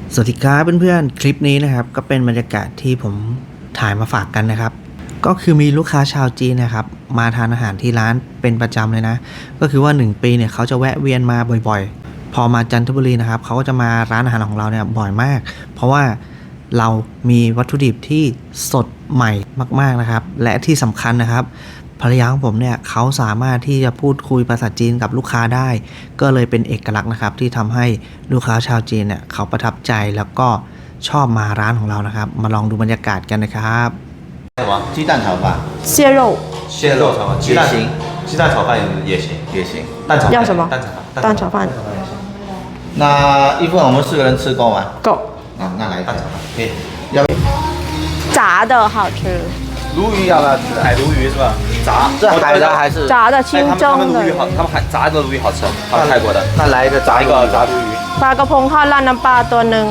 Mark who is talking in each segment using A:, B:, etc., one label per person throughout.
A: สวัสดีครับเพื่อนๆคลิปนี้นะครับก็เป็นบรรยากาศที่ผมถ่ายมาฝากกันนะครับก็คือมีลูกค้าชาวจีนนะครับมาทานอาหารที่ร้านเป็นประจำเลยนะก็คือว่า1 ปีเนี่ยเขาจะแวะเวียนมาบ่อยๆพอมาจันทบุรีนะครับเขาก็จะมาร้านอาหารของเราเนี่ยบ่อยมากเพราะว่าเรามีวัตถุดิบที่สดใหม่มากๆนะครับและที่สำคัญนะครับภรรยาของผมเนี่ยเขาสามารถที่จะพูดคุยภาษาจีนกับลูกค้าได้ก็เลยเป็นเอกลักษณ์นะครับที่ทำให้ลูกค้าชาวจีนเนี่ยเขาประทับใจแล้วก็ชอบมาร้านของเรานะครับมาลองดูบรรยากาศกันนะครับ
B: 什么？鸡蛋炒饭。
C: 蟹肉
B: 蟹肉炒饭，鸡蛋炒饭也行。蛋炒饭
C: 要什么？
B: 蛋炒饭。
C: 蛋炒饭
B: 那一份我们4个人吃够吗？
C: 够，
B: 啊，那来蛋炒饭。可以。要不
C: 炸的好吃，
B: 鲈鱼要不要吃？海鲈鱼是吧？炸。这海的还是？
C: 炸的清蒸的。
D: 他们炸的鲈鱼好吃，泰国的。
B: 那来一个炸
D: 炸鲈鱼。
C: ปลากระพงทอดราดน้ำปลาตัวหนึ่ง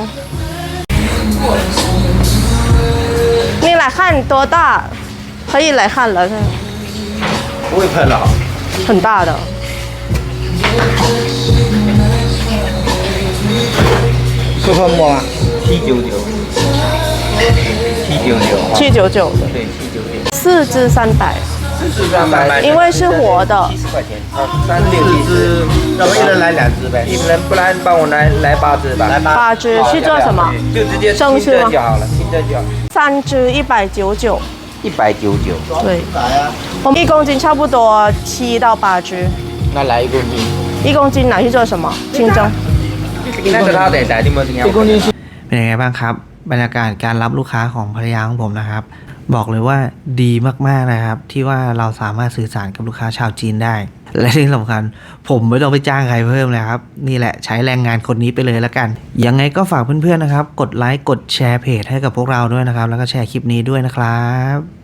C: 你来看多大？可以来看了，
B: 不会喷了。
C: 很大的。
B: 会喷沫吗？799。799的。对，799。
C: 4只300，
B: 300。
C: 因为是活的。
D: 70块钱。
B: 3只，要不一人来2只呗？
D: 一人不然帮我来8只吧。
B: 来
C: 8只去做什么？
D: 就直接清蒸就好了，清蒸就好。
C: 3只199，
D: 199。
C: 对，我们1公斤差不多7到8只。
D: 那来1公斤。
C: 1公斤拿去做什么？清蒸。
D: 那个他得来你们这样。1公斤。
A: เป็นยังไงบ้างครับบรรยากาศการรับลูกค้าของภรรยาของผมนะครับบอกเลยว่าดีมากๆนะครับที่ว่าเราสามารถสื่อสารกับลูกค้าชาวจีนได้และที่สำคัญผมไม่ต้องไปจ้างใครเพิ่มเลยครับนี่แหละใช้แรงงานคนนี้ไปเลยแล้วกันยังไงก็ฝากเพื่อนๆนะครับกดไลค์กดแชร์เพจให้กับพวกเราด้วยนะครับแล้วก็แชร์คลิปนี้ด้วยนะครับ